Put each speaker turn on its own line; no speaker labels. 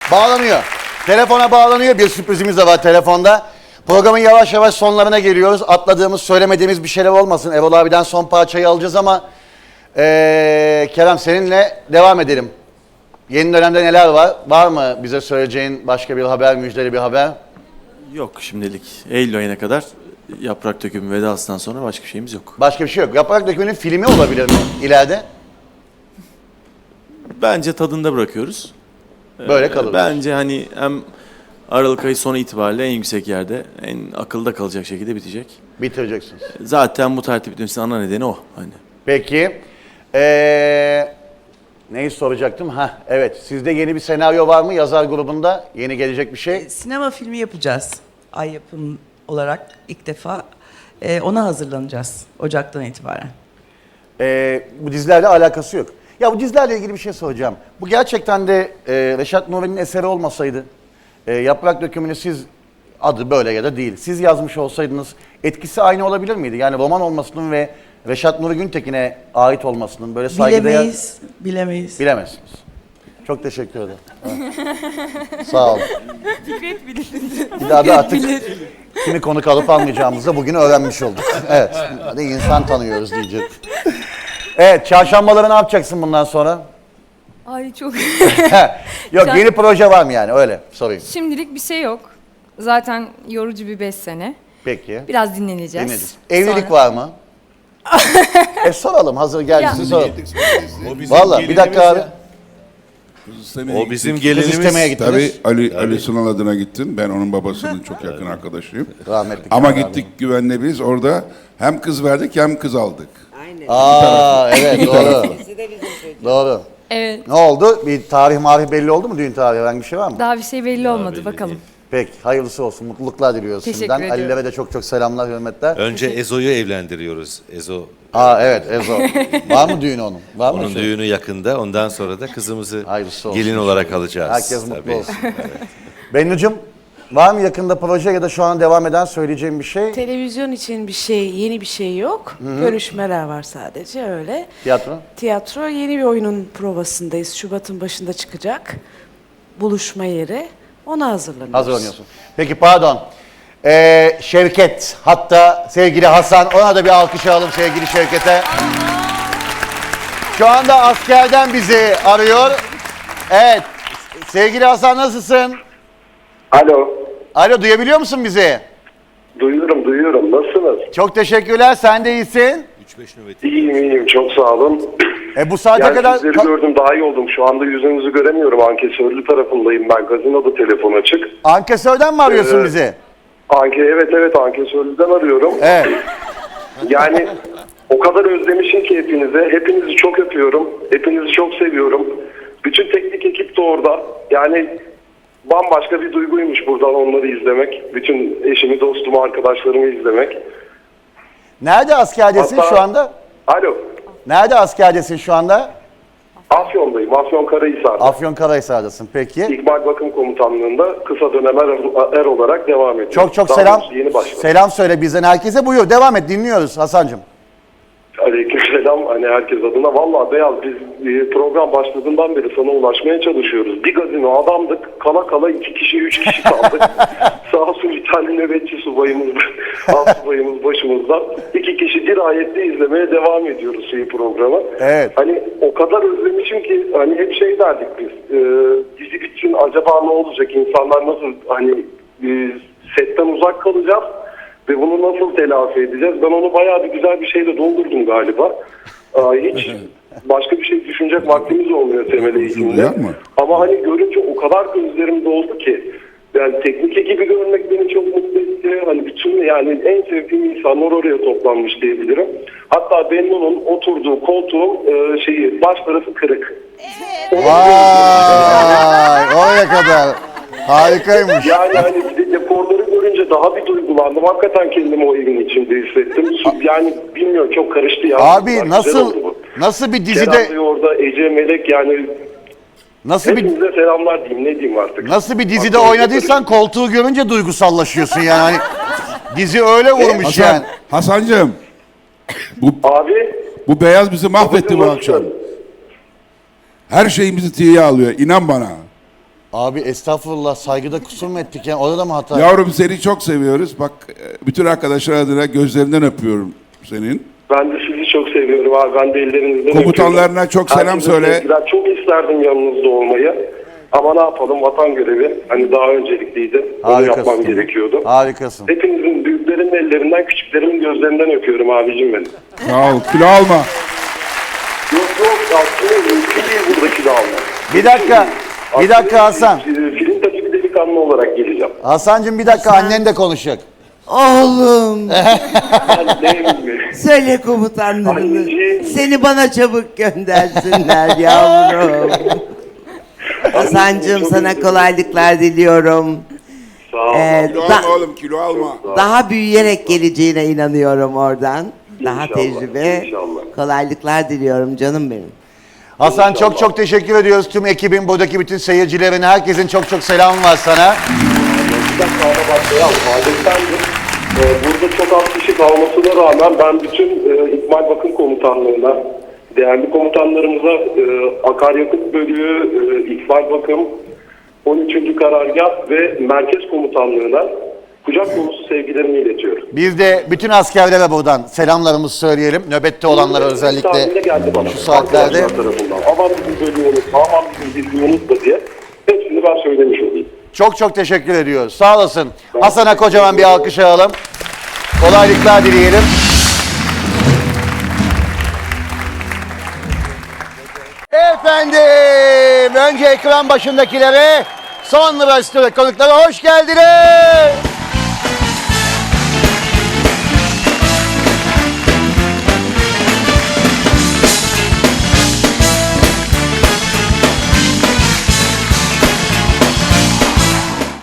Bağlanıyor. Telefona bağlanıyor. Bir sürprizimiz de var telefonda. Programın yavaş yavaş sonlarına geliyoruz. Atladığımız, söylemediğimiz bir şeyler olmasın. Erol abiden son parçayı alacağız ama Kerem seninle devam edelim. Yeni dönemde neler var? Var mı bize söyleyeceğin başka bir haber, müjdeli bir haber?
Yok şimdilik. Eylül ayına kadar Yaprak Dökümü vedasından sonra başka bir şeyimiz yok.
Başka bir şey yok. Yaprak Dökümü'nün filmi olabilir mi ileride?
Bence tadında bırakıyoruz.
Böyle kalır.
Bence hani hem Aralık ayı sonu itibariyle en yüksek yerde, en akılda kalacak şekilde bitecek.
Bitireceksiniz.
Zaten bu tertip bitmesinin ana nedeni o. Hani.
Peki. Neyi soracaktım? Ha, evet. Sizde yeni bir senaryo var mı yazar grubunda? Yeni gelecek bir şey?
Sinema filmi yapacağız. Ay Yapım olarak ilk defa ona hazırlanacağız Ocak'tan itibaren.
Bu dizilerle alakası yok. Ya bu dizilerle ilgili bir şey soracağım. Bu gerçekten de Reşat Nuri'nin eseri olmasaydı, Yaprak Dökümü'nü siz, adı böyle ya da değil, siz yazmış olsaydınız etkisi aynı olabilir miydi? Yani roman olmasının ve Reşat Nuri Güntekin'e ait olmasının böyle saygıdeğer...
Bilemeyiz.
Bilemezsiniz. Çok teşekkür ederim. Evet. Sağ olun.
Fikret bilir.
Bir daha da artık kimi konuk alıp almayacağımızı da bugün öğrenmiş olduk. Evet. Hadi insan tanıyoruz diyecek. Evet. Çarşambaları ne yapacaksın bundan sonra?
Ay çok.
Yok yeni proje var mı yani öyle sorayım.
Şimdilik bir şey yok. Zaten yorucu bir 5 sene.
Peki.
Biraz dinleneceğiz.
Dinledik. Evlilik
Sonra-
var mı? Soralım hazır gelmişsin
Ya.
soralım.
O bizim
Valla bir dakika
gelinimiz
abi.
ya.
O bizim
Kız
gelinimiz.
istemeye gittiniz.
Tabii Ali Sunal adına gittim. Ben onun babasının çok yakın arkadaşıyım.
Rahmetli
Ama
Kemal
gittik güvenle biz orada hem kız verdik hem kız aldık.
Aa evet doğru. Doğru.
Evet.
Ne oldu? Bir tarih belli oldu mu düğün tarihi? Herhangi bir şey var mı?
Daha bir şey belli olmadı bakalım.
Peki hayırlısı olsun. Mutluluklar diliyoruz
Teşekkür
şimdiden.
ediyorum.
Ali'lere de çok çok selamlar, hürmetler.
Önce Ezo'yu evlendiriyoruz. Ezo.
Aa evet Ezo. Var mı düğünü onun? Var mı?
Onun düğünü yakında. Ondan sonra da kızımızı
Hayırlısı olsun
gelin olarak alacağız.
Herkes mutlu
Tabii.
olsun. Bennucuğum var mı yakında proje ya da şu an devam eden söyleyeceğim bir şey?
Televizyon için bir şey, yeni bir şey yok. Görüşmeler var sadece öyle.
Tiyatro?
Tiyatro yeni bir oyunun provasındayız. Şubat'ın başında çıkacak. Buluşma yeri. Ona hazırlanıyoruz.
Hazırlanıyorsun. Peki pardon. Şevket hatta sevgili Hasan ona da bir alkış alalım sevgili Şevket'e. Şu anda askerden bizi arıyor. Evet. Sevgili Hasan nasılsın?
Alo.
Alo duyabiliyor musun bizi?
Duyuyorum. Nasılsınız?
Çok teşekkürler. Sen de iyisin.
3-5 nöbeti.
İyiyim. Çok sağ olun.
Bu saate
Yani
kadar...
sizleri gördüm daha iyi oldum. Şu anda yüzünüzü göremiyorum. Ankesörlü tarafındayım ben. Gazinoda telefon açık.
Ankesör'den mi arıyorsun bizi?
Evet Ankesörlü'den arıyorum.
Evet.
Yani o kadar özlemişim ki hepinize. Hepinizi çok öpüyorum. Hepinizi çok seviyorum. Bütün teknik ekip de orada. Yani bambaşka bir duyguymuş buradan onları izlemek. Bütün eşimi, dostumu, arkadaşlarımı izlemek.
Nerede askerdesin
Hatta-
şu anda?
Alo.
Nerede askerdesin şu anda?
Afyon'dayım. Afyonkarahisar'da.
Afyonkarahisar'dasın peki.
İkbal Bakım Komutanlığı'nda kısa dönem er olarak devam ediyor.
Çok çok
Daha
selam.
doğrusu yeni başladım.
Selam söyle bizden herkese. Buyur devam et dinliyoruz Hasan'cığım.
Aleykümselam hani herkes adına. Vallahi Beyaz biz program başladığından beri sana ulaşmaya çalışıyoruz. Bir gazino adamdık. Kala kala 2 kişi 3 kişi kaldık. Sağ olsun bir tane nöbetçi subayımız, subayımız başımızda. 2 kişi dirayetli izlemeye devam ediyoruz programı.
Evet.
Hani o kadar özlemişim ki hani hep şey derdik biz. Dizi bitsin acaba ne olacak? İnsanlar nasıl hani setten uzak kalacağız? Ve bunu nasıl telafi edeceğiz? Ben onu bayağı bir güzel bir şeyle doldurdum galiba. Hiç başka bir şey düşünecek vaktimiz olmuyor temel eğitimde.
Duyar mı?
Ama hani görünce o kadar gözlerim doldu ki. Yani teknik ekibi görmek beni çok mutlu etti. Hani bütün yani en sevdiğim insanlar oraya toplanmış diyebilirim. Hatta Bennu'nun oturduğu koltuğun baş tarafı kırık.
Vay oraya kadar. Harikaymış.
Yani hani bir de dekorları görünce daha bir duygulandım. Hakikaten kendimi o evin içinde hissettim. Yani bilmiyorum çok karıştı ya.
Abi
Güzel
nasıl
oldu bu.
nasıl bir dizide
Kerem Bey orada, Ece, Melek yani
nasıl bir
hepinize selamlar diyeyim ne diyeyim artık.
nasıl bir dizide
Aklım
oynadıysan koltuğu görünce duygusallaşıyorsun yani. Hani dizi öyle vurmuş yani.
Hasancığım.
Abi.
Bu beyaz bizi mahvetti bu
babacığım,
akşam.
nasılsın?
Her şeyimizi tiye alıyor. İnan bana.
Abi estağfurullah, saygıda kusur mu ettik yani? Orada da mı hata?
Yavrum seni çok seviyoruz. Bak bütün arkadaşlar adına gözlerinden öpüyorum senin.
Ben de sizi çok seviyorum abi. Ben de ellerinizden
Komutanlarına
öpüyorum.
çok selam
Herkese
söyle.
sevgiler. Çok isterdim yanınızda olmayı. Ama ne yapalım, vatan görevi hani daha öncelikliydi. Onu yapmam gerekiyordu.
Harikasın.
Hepinizin, büyüklerimin ellerinden, küçüklerimin gözlerinden öpüyorum abicim benim.
Sağ ol. Kilo alma.
Yok aslında mümkün değil buradaki de almak.
Bir dakika Hasan.
Film tabii delikanlı olarak geleceğim.
Hasan'cığım bir dakika, annen de konuşacak.
Oğlum,
Annem mi?
söyle komutanlarını.
Anneciğim.
Seni bana çabuk göndersinler yavrum. Hasan'cığım sana kolaylıklar diliyorum.
Sağ ol.
Kilo
Da-
alma oğlum, kilo alma.
daha büyüyerek geleceğine inanıyorum oradan. Daha
İnşallah,
tecrübe.
inşallah.
Kolaylıklar diliyorum canım benim.
Hasan çok çok teşekkür ediyoruz tüm ekibin, buradaki bütün seyircilerine, herkesin çok çok selamı var sana.
Bir dakika ara başlayalım. Adettendir. Burada çok az kişi kalmasına rağmen ben bütün İkmal Bakım Komutanlığı'na, değerli komutanlarımıza akaryakıt bölüğü, İkmal Bakım, 13. Karargah ve Merkez Komutanlığı'na kucak dolusu sevgilerimi iletiyorum.
Biz de bütün askerlere buradan selamlarımızı söyleyelim. Nöbette olanlara
Bir tane
özellikle
de geldi bana.
şu saatlerde.
Arkadaşlar tarafından. Aman bizim bölüğü unutma, aman bizim bilgiyi unutma diye. Hepsini ben söylemiş olayım.
Çok çok teşekkür ediyoruz. Sağ olasın. Hasan'a kocaman bir alkış alalım. Kolaylıklar dileyelim. Efendim, önce ekran başındakilere, sonra stüdyo konuklara hoş geldiniz.